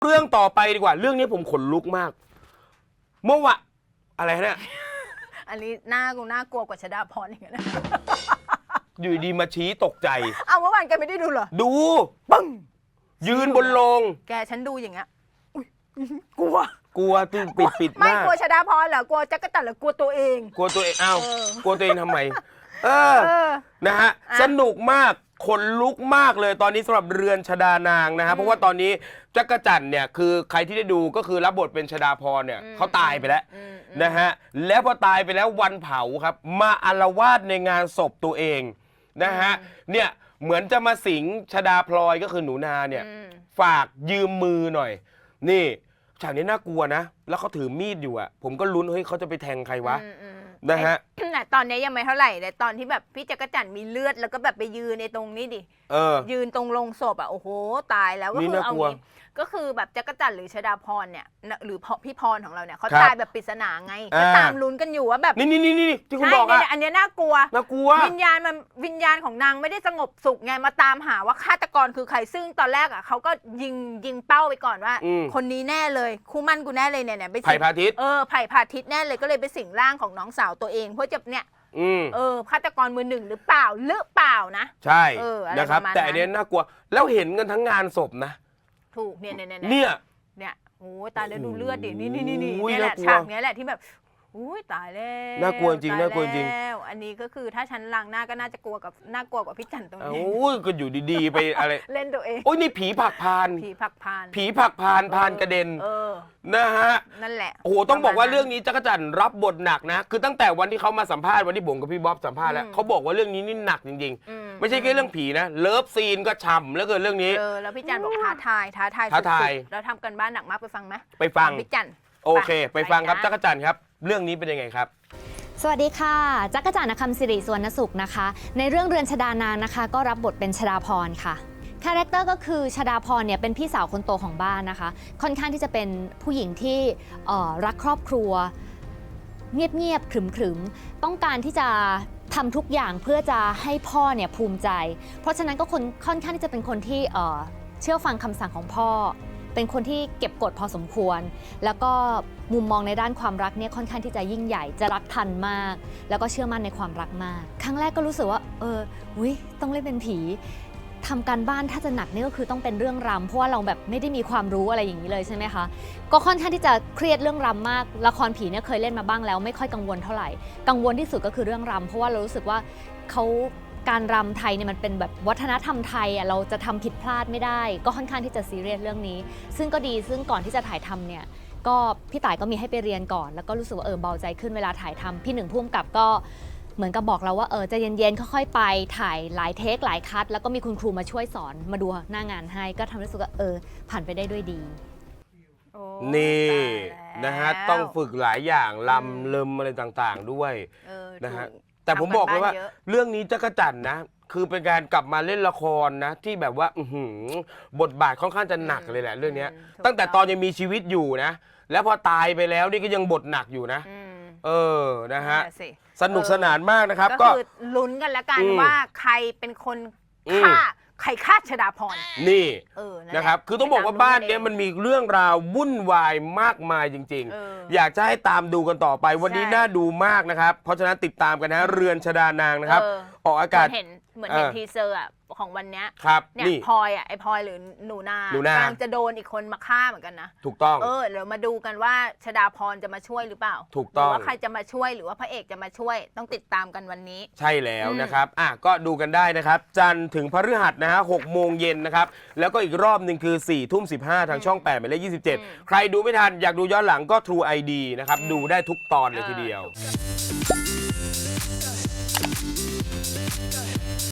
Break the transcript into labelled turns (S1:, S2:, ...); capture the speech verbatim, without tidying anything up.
S1: เรื่องต่อไปดีกว่าเรื่องนี้ผมขนลุกมากเมื่อวะอะไรเนี่ย
S2: อันนี้หน้ากูน่ากลัวกว่าชดาพรอย่างเงี้ยนะ
S1: อยู่ดีมาชี้ตกใจ
S2: เอาเมื่อวานแกไม่ได้ดูเหรอ
S1: ดู
S2: ปึ้ง
S1: ยืนบนโลง
S2: แกฉันดูอย่างเงี้ยกลัว
S1: กลัวตื่นปิดปิด
S2: ไม่กลัวชดาพรเหรอกลัวจักรจันทร์หรือกลัวตัวเอง
S1: กลัวตัวเองอ้าวกลัวตัวเองทำไมเออนะฮะสนุกมากขนลุกมากเลยตอนนี้สำหรับเรือนชดานางนะฮะเพราะว่าตอนนี้จักรจันทร์เนี่ยคือใครที่ได้ดูก็คือรับบทเป็นชดาพรเนี่ยเขาตายไปแล้วนะฮะแล้วพอตายไปแล้ววันเผาครับมาอาละวาดในงานศพตัวเองนะฮะเนี่ยเหมือนจะมาสิงชดาพลอยก็คือหนูนาเนี่ยฝากยืมมือหน่อยนี่ฉากนี้น่ากลัวนะแล้วเขาถือมีดอยู่อ่ะผมก็ลุ้นเฮ้ยเขาจะไปแทงใครวะนะฮะ
S2: ตอนนี้ยังไม่เท่าไหร่แต่ตอนที่แบบพี่จักรจันทร์มีเลือดแล้วก็แบบไปยืนในตรงนี้ดิยืนตรงลงศพอ่ะโอ้โหตายแล้วก็คือเอางี้ก็คือแบบจักรจันทร์หรือชดาพรเนี่ยหรือพี่พรของเราเนี่ยเขาตายแบบปริศนาไงก็ตามลุ้นกันอยู่ว่าแบบ
S1: นี่นี่นี่นี่ที่คุณบอกอ่ะ
S2: อันนี้น่ากลัว
S1: น่ากลัว
S2: วิญญาณมันวิญญาณของนางไม่ได้สงบสุขไงมาตามหาว่าฆาตกรคือใครซึ่งตอนแรกอ่ะเขาก็ยิงยิงเป้าไปก่อนว่าคนนี้แน่เลยคู่มั่นกูแน่เลยเนี่ยเนี่ยไป
S1: ไผ่พาทิตย์
S2: เออไผ่พาทิตย์แน่เลยก็เลยไปสิงร่างของน้องสาวตัวเองเพื่อจะเนี่ยเออฆาตกรมือหนึ่งหรือเปล่าหรือเปล่านะ
S1: ใช่นะครับแต่อันนี้น่ากลัวแล้วเห็นกันทั้งงานศพนะ
S2: ถูกเนี่ยเนี่ย
S1: เนี่ย
S2: เนี่ยโอ้ตายแล้วดูเลือดดินี่นี่นี่นี่แหละฉากนี้แหละที่แบบอุ้ยตายแล้ว
S1: น่ากลัวจริงน่ากลัวจริง
S2: อันนี้ก็คือถ้าฉันล้างหน้าก็น่าจะกลัวกับน่ากลัวกว่าพี่จันตรงนี้
S1: โอ้ยก็อยู่ดีๆไปอะไร
S2: เล่นตัวเอง
S1: โอ้ยนี่ผีผักพาน
S2: ผีผักพาน
S1: ผีผักพานพานกระเด็นนะฮะ
S2: นั่นแหละ
S1: โอ้โหต้องบอกว่าเรื่องนี้จักรจันทร์รับบทหนักนะคือตั้งแต่วันที่เขามาสัมภาษณ์วันที่ผมกับพี่บ๊อบสัมภาษณ์แล้วเขาบอกว่าเรื่องนี้นี่หนักจริงๆไม่ใช่แค่เรื่องผีนะเลิฟซีนก็ฉ่ำแล้วเกินเรื่องนี้
S2: เออแล้วพี่จันบอกท้าทายท้าทาย
S1: ท้าทาย
S2: แล้วทำกันบ้านหนักมากไปฟังไหม
S1: ไปฟัง
S2: พี่จัน
S1: โอเคไปฟังครับจักรจันทร์ครับเรื่องนี้เป็นยังไงครับ
S3: สวัสดีค่ะจักรจันทร์คำสิริสุวรรณสุขนะคะในเรื่องเรือนชดานางนะคะก็รับบทเป็นชดาพรค่ะคาแรคเตอร์ก็คือชดาพรเนี่ยเป็นพี่สาวคนโตของบ้านนะคะค่อนข้างที่จะเป็นผู้หญิงที่รักครอบครัวเงียบๆขรึมๆต้องการที่จะทำทุกอย่างเพื่อจะให้พ่อเนี่ยภูมิใจเพราะฉะนั้นก็คนค่อนข้างที่จะเป็นคนที่เชื่อฟังคำสั่งของพ่อเป็นคนที่เก็บกดพอสมควรแล้วก็มุมมองในด้านความรักเนี่ยค่อนข้างที่จะยิ่งใหญ่จะรักทันมากแล้วก็เชื่อมั่นในความรักมากครั้งแรกก็รู้สึกว่าเอออุ๊ยต้องเล่นเป็นผีทำการบ้านถ้าจะหนักนี่ก็คือต้องเป็นเรื่องรำเพราะว่าเราแบบไม่ได้มีความรู้อะไรอย่างนี้เลยใช่ไหมคะก็ค่อนข้างที่จะเครียดเรื่องรำมากละครผีเนี่ยเคยเล่นมาบ้างแล้วไม่ค่อยกังวลเท่าไหร่กังวลที่สุดก็คือเรื่องรำเพราะว่าเรารู้สึกว่าเขาการรำไทยเนี่ยมันเป็นแบบวัฒนธรรมไทยอ่ะเราจะทำผิดพลาดไม่ได้ก็ค่อนข้างที่จะซีเรียสเรื่องนี้ซึ่งก็ดีซึ่งก่อนที่จะถ่ายทำเนี่ยก็พี่ต่ายก็มีให้ไปเรียนก่อนแล้วก็รู้สึกว่าเออเบาใจขึ้นเวลาถ่ายทำพี่หนึ่งผู้กำกับก็เหมือนกับบอกเราว่าเออจะเย็นๆค่อยๆไปถ่ายหลายเทคหลายคัทแล้วก็มีคุณครูมาช่วยสอนมาดูหน้างานให้ก็ทำให้รู้สึกว่าเออผ่านไปได้ด้วยดี
S1: นี่นะฮะต้องฝึกหลายอย่างลำเลิมอะไรต่างๆด้วยนะฮะแต่ผมบอกเลยว่าเรื่องนี้จักรจันทร์นะคือเป็นการกลับมาเล่นละครนะที่แบบว่าบทบาทค่อนข้างจะหนักเลยแหละเรื่องนี้ตั้งแต่ตอนยังมีชีวิตอยู่นะแล้วพอตายไปแล้วนี่ก็ยังบทหนักอยู่นะเออนะฮะสนุกสนานมากนะครับ
S2: ก็คือลุ้นกันแล้วกันว่าใครเป็นคนฆ่าใครฆ่าชดาพร
S1: นี่นะครับคือต้องบอกว่าบ้านนี้มันมีเรื่องราววุ่นวายมากมายจริงๆอยากจะให้ตามดูกันต่อไปวันนี้น่าดูมากนะครับเพราะฉะนั้นติดตามกันนะเรือนชดานางนะครับออกอากาศ
S2: เห็นเหมือนเห็นทีเซอร์ของวันนี้
S1: เนี่
S2: ยพลอยอ่ะไอพลอยหรือหนูนากำลังจะโดนอีกคนมาฆ่าเหมือนกันนะ
S1: ถูกต้อง
S2: เออเดี๋ยวมาดูกันว่าชดาพรจะมาช่วยหรือเปล่า
S1: ถูกต้อง
S2: หรือว่าใครจะมาช่วยหรือว่าพระเอกจะมาช่วยต้องติดตามกันวันนี้
S1: ใช่แล้วนะครับอ่ะก็ดูกันได้นะครับจันทร์ถึงพฤหัสนะฮะหกโมงเย็นนะครับแล้วก็อีกรอบหนึ่งคือสี่ทุ่มสิบห้าทางช่องแปดหมายเลขยี่สิบเจ็ดใครดูไม่ทันอยากดูย้อนหลังก็ True ไอ ดี นะครับดูได้ทุกตอนเลยทีเดียว